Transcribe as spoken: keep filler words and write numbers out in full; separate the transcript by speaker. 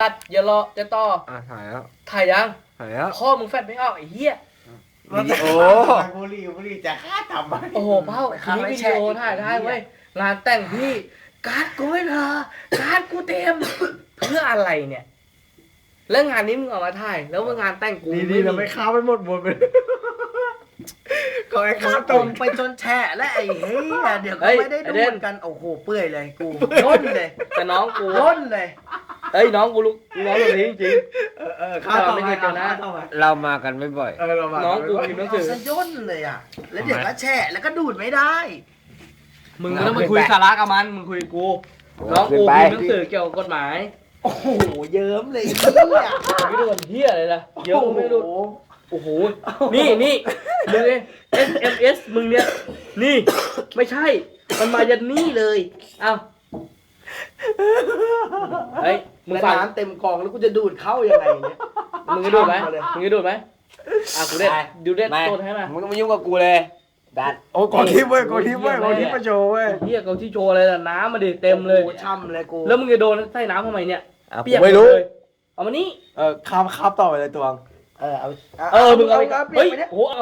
Speaker 1: ตัดอย่ารอจะต่อ
Speaker 2: อ่ะถ่ายแล้ว
Speaker 1: ถ่ายยัง
Speaker 2: ถ่ายแล้ว
Speaker 1: ข้อมึงแฟดไม่ออกไอ้เหี้ย
Speaker 2: วิดีโอ
Speaker 3: บุรีบุรีจะฆ่าทำไม
Speaker 1: โอ้โหเป้าทีนี้วิดีโอถ่ายได้เว้ยงานแต่งพี่การ์ดกูไม่พอการ์ดกูเต็ม เพื่ออะไรเนี่ย แล้วงานนี้มึงเอามาถ่ายแล้วว่างานแต่งกู
Speaker 2: ดีๆเราไม่ค้าไปหมดหมดไปก็ไอ้ค้า
Speaker 3: ต
Speaker 2: ต
Speaker 3: ร
Speaker 2: รง ง
Speaker 3: ไปจนแฉะและไอ้เฮ้ยเดี๋ยวก็ไม่ได้ดูเหมือนกันโอ้โหเปื่อยเลยกูย่นเลย
Speaker 1: แต่น้องกู
Speaker 3: ย่นเลย
Speaker 1: เอ้ยน้องกูรู้น้องแบบนี้จริง
Speaker 2: เออเออ
Speaker 1: ๆข้าไม่เคยเจอนะ
Speaker 4: เรามากันไม่บ่อย
Speaker 2: เออเรามา
Speaker 1: น้องกูพิมพ์หนังสือ
Speaker 3: เอาซะย่นเลยอ่ะแล้วเดี๋ยวก็แฉะแล้วก็ดูดไม่ได้
Speaker 1: มึงไม่ต้องมาคุยสาระกับมันมึงคุยกับกูน้องกูพิมพ์หนังสือเกี่ยวกับกฎหมาย
Speaker 3: โอ้โหเยิ้มเลยเนี่ย
Speaker 1: ไม่ดูเหี้ยอะไรล่ะเยอะไม่ดูโอ้โหนี่นี่มึงเอง เอส เอ็ม เอส มึงเนี่ยนี่ไม่ใช่มันมายันนี่เลยเอ้าเฮ้ยมึง
Speaker 3: แล้ว
Speaker 1: ฟัง
Speaker 3: น้ำเต็มกล่องแล้วกูจะดูดเข้ายังไงเนี่ย
Speaker 1: มึงจะดูดไหมมึงจะดูดไหมอ่ะกูเด็ดดูเด็ด
Speaker 4: ไม่
Speaker 1: ตัวให้มา
Speaker 4: มึงต้องมายุ่งกับกูเลยดัด
Speaker 2: โอ้กดทิปเว้ยกดทิปเว้ยกดทิปมาโชว์เว้ย
Speaker 1: เฮียเขาที่โชว์อะไรล่ะน้ำมาดิเต็มเลย
Speaker 3: โอ้โหช่ำเลยกู
Speaker 1: แล้วมึงจะโดนใส่น้ำทำไมเนี่ย
Speaker 4: อ่ะ
Speaker 1: เปียก
Speaker 4: ไม่รู้
Speaker 1: หดเลยเอามานี่
Speaker 2: เออข้ามข้ามต่อไปเลยตวง
Speaker 3: เออเอา
Speaker 1: เออมึงเอาไป
Speaker 3: เอา
Speaker 1: เฮ้ย
Speaker 3: เปียกไปเนี่ย
Speaker 1: โอ้โห